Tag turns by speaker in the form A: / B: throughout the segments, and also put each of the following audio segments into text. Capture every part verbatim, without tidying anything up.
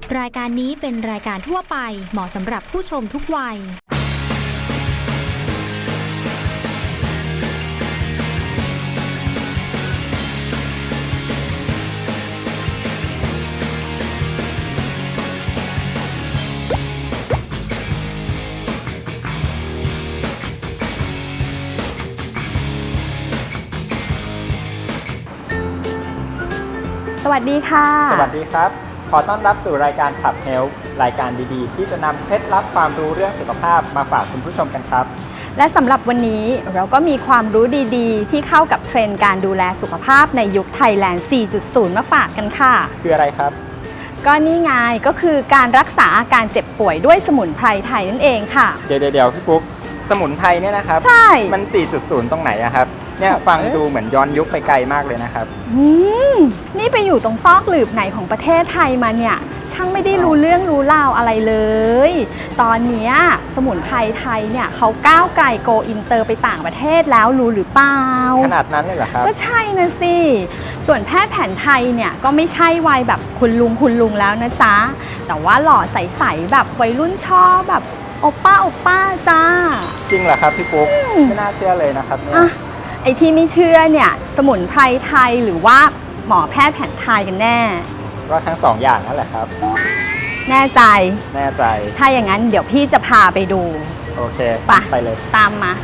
A: รายการนี้เป็นรายการทั่วไปเหมาะสำหรับผู้ชมทุกวัย
B: สวัสดีค่ะ
C: สวัสดีครับขอต้อนรับสู่รายการขับเฮลท์รายการดีๆที่จะนำเคล็ดลับความรู้เรื่องสุขภาพมาฝากคุณผู้ชมกันครับ
B: และสำหรับวันนี้เราก็มีความรู้ดีๆที่เข้ากับเทรนด์การดูแลสุขภาพในยุคไทยแลนด์ สี่จุดศูนย์ มาฝากกันค่ะ
C: คืออะไรครับ
B: ก็นี่ไงก็คือการรักษาอาการเจ็บป่วยด้วยสมุนไพรไทยนั่นเองค่ะ
C: เดี๋ยวเดี๋ยวพี่ปุ๊กสมุนไพรเนี่ยนะครับ
B: ใช่
C: มัน สี่จุดศูนย์ ตรงไหนอะครับเนี่ยฟังดูเหมือนย้อนยุคไปไกลมากเลยนะครับ
B: อืมนี่ไปอยู่ตรงซอกหลืบไหนของประเทศไทยมาเนี่ยช่างไม่ได้รู้เรื่องรู้ราวอะไรเลยตอนนี้สมุนไพรไทยเนี่ยเขาก้าวไกลโกอินเตอร์ไปต่างประเทศแล้วรู้หรือเปล่า
C: ขนาดนั้นเลยเหรอครับ
B: ก็ใช่นะสิส่วนแพทย์แผนไทยเนี่ยก็ไม่ใช่วัยแบบคุณลุงคุณลุงแล้วนะจ๊ะแต่ว่าหล่อใสๆแบบวัยรุ่นชอบแบบโอป้าโอป้าจ้า
C: จริงเหรอครับพี่ปุ๊กไม่น่าเชื่อเลยนะครับเนี่ย
B: ไอ้ที่ไม่เชื่อเนี่ยสมุนไพรไทยหรือว่าหมอแพทย์แผนไทยกันแน่
C: ก็ทั้งสองอย่างนั่นแหละครับ
B: แน่ใจ
C: แน่ใจ
B: ถ้าอย่างนั้นเดี๋ยวพี่จะพาไปดู
C: โอเค
B: ไป
C: ไปเลย
B: ตามมา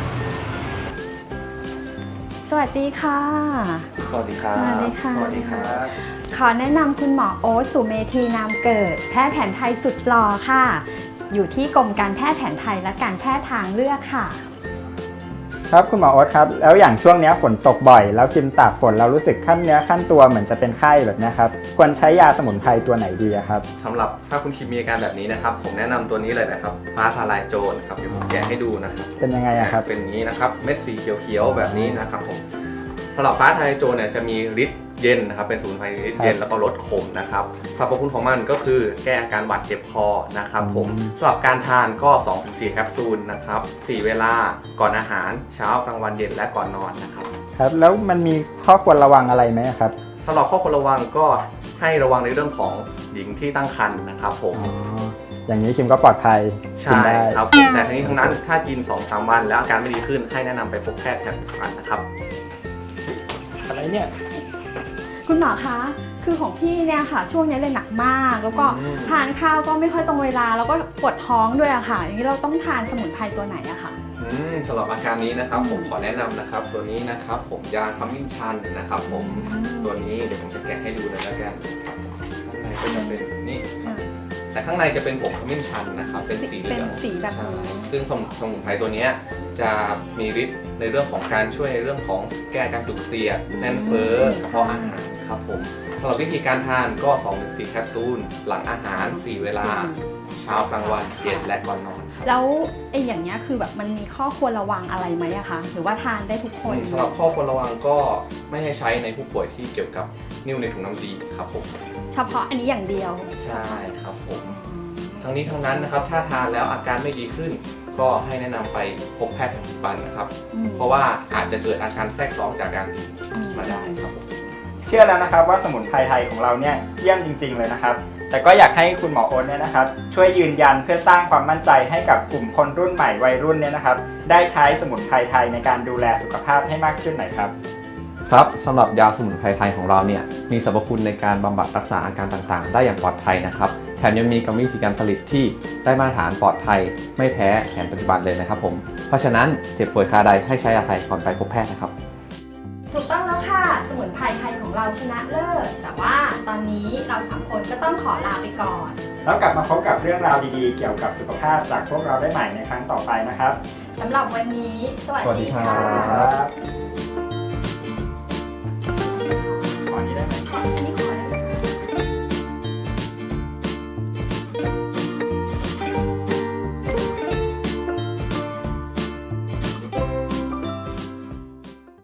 B: สวัสดีค่ะ
C: สวัสดีครับ
B: สวัสดีค่ะ
C: สวัสดีครับ
B: ขอแนะนำคุณหมอโอ๊ต สุเมธีนามเกิดแพทย์แผนไทยสุดหล่อค่ะอยู่ที่กรมการแพทย์แผนไทยและการแพทย์ทางเลือกค่ะ
C: ครับคุณหมอโอ๊ตครับแล้วอย่างช่วงนี้ฝนตกบ่อยแล้วคิมตากฝนเรารู้สึกขั้นเนื้อขั้นตัวเหมือนจะเป็นไข้แบบนี้ครับควรใช้ยาสมุนไพรตัวไหนดีครับ
D: สำหรับถ้าคุณคิมมีอาการแบบนี้นะครับผมแนะนำตัวนี้เลยนะครับฟ้าทลายโจรครับเดี๋ยวผมแกะให้ดูนะครับ
C: เป็นยังไงครับ
D: เป็นอย่างนี้นะครับเม็ดสีเขียวๆแบบนี้นะครับผมสำหรับฟ้าทลายโจรเนี่ยจะมีฤทธิ์เย็นนะครับเป็นสมุนไพรฤทธิ์เย็นแล้วก็ลดขมนะครับสรรพคุณของมันก็คือแก้อาการหวัดเจ็บคอนะครับผมสำหรับการทานก็ สองถึงสี่ แคปซูลนะครับสี่เวลาก่อนอาหารเช้ากลางวันเย็นและก่อนนอนนะครับ
C: ครับแล้วมันมีข้อควรระวังอะไรไหมครับ
D: สำหรับข้อควรระวังก็ให้ระวังในเรื่องของหญิงที่ตั้งครรภ์นะครับผม
C: อย่างนี้คิมก็ปลอดภัย
D: ใช่ครับแต่ทั้งนี้ทั้งนั้นถ้ากิน สองถึงสาม วันแล้วอาการไม่ดีขึ้นให้แนะนำไปพบแพทย์แผนปัจจุบันนะครับ
C: อะไรเนี่ย
B: คุณหมอคะคือของพี่เนี่ยค่ะช่วงนี้เลยหนักมากแล้วก็ทานข้าวก็ไม่ค่อยตรงเวลาแล้วก็ปวดท้องด้วยอะค่ะอย่างนี้เราต้องทานสมุนไพรตัวไหนอะค่ะ
D: สำหรับอาการนี้นะครับผมขอแนะนำนะครับตัวนี้นะครับผมยาขมิ้นชันนะครับผมตัวนี้เดี๋ยวผมจะแกะให้ดูเลยแล้วกันข้างในก็จะเป็นนี่แต่ข้างในจะเป็นผงขมิ้นชันนะครับเป็นสีเหลือง
B: สีแบบนี้
D: ซึ่งสมุนไพรตัวนี้จะมีฤทธิ์ในเรื่องของการช่วยในเรื่องของแก้การจุกเสียดแน่นเฟ้อกระเพาะอาหารครับผมสำหรับวิธีการทานก็ สองถึงสี่ แคปซูลหลังอาหารสี่เวลาเช้ากลางวันเย็นและก่อนนอนครับ
B: แล้วไอ้อย่างเงี้ยคือแบบมันมีข้อควรระวังอะไรไหมอะคะหรือว่าทานได้ทุกคน
D: สำหรับข้อควรระวังก็ไม่ให้ใช้ในผู้ป่วยที่เกี่ยวกับนิ่วในถุงน้ำดีครับผม
B: เฉพาะอันนี้อย่างเดียว
D: ใช่ครับผมทั้งนี้ทั้งนั้นนะครับถ้าทานแล้วอาการไม่ดีขึ้นก็ให้แนะนำไปพบแพทย์ปัจจุบันนะครับเพราะว่าอาจจะเกิดอาการแทรกซ้อนจากการดื่มมาได้ครับผม
C: เชื่อแล้วนะครับว่าสมุนไพรไทยของเราเนี่ยเยี่ยมจริงๆเลยนะครับแต่ก็อยากให้คุณหมอโอ๊ตเนี่ยนะครับช่วยยืนยันเพื่อสร้างความมั่นใจให้กับกลุ่มคนรุ่นใหม่วัยรุ่นเนี่ยนะครับได้ใช้สมุนไพรไทยในการดูแลสุขภาพให้มากขึ้นหน่อยครับ
D: ครับสำหรับยาสมุนไพรไทยของเราเนี่ยมีสรรพคุณในการบำบัดรักษาอาการต่างๆได้อย่างปลอดภัยนะครับแถมยังมีกรรมวิธีการผลิตที่ได้มาตรฐานปลอดภัยไม่แพ้แผนปัจจุบันเลยนะครับผมเพราะฉะนั้นเจ็บป่วยคาใดให้ใช้ยาไทยก่อนไปพบแพทย์นะครับ
B: ถูกต้องแล้วค่ะสมุนไพรไทยของเราชนะเลิศแต่ว่าตอนนี้เราสามคนก็ต้องขอลาไปก่อน
C: แล้วกลับมาพบกับเรื่องราวดีๆเกี่ยวกับสุขภาพจากพวกเราได้ใหม่ในครั้งต่อไปนะครับ
B: สำหรับวันนี้สวัสดีค่ะ
C: ขอนี้ได้ไหม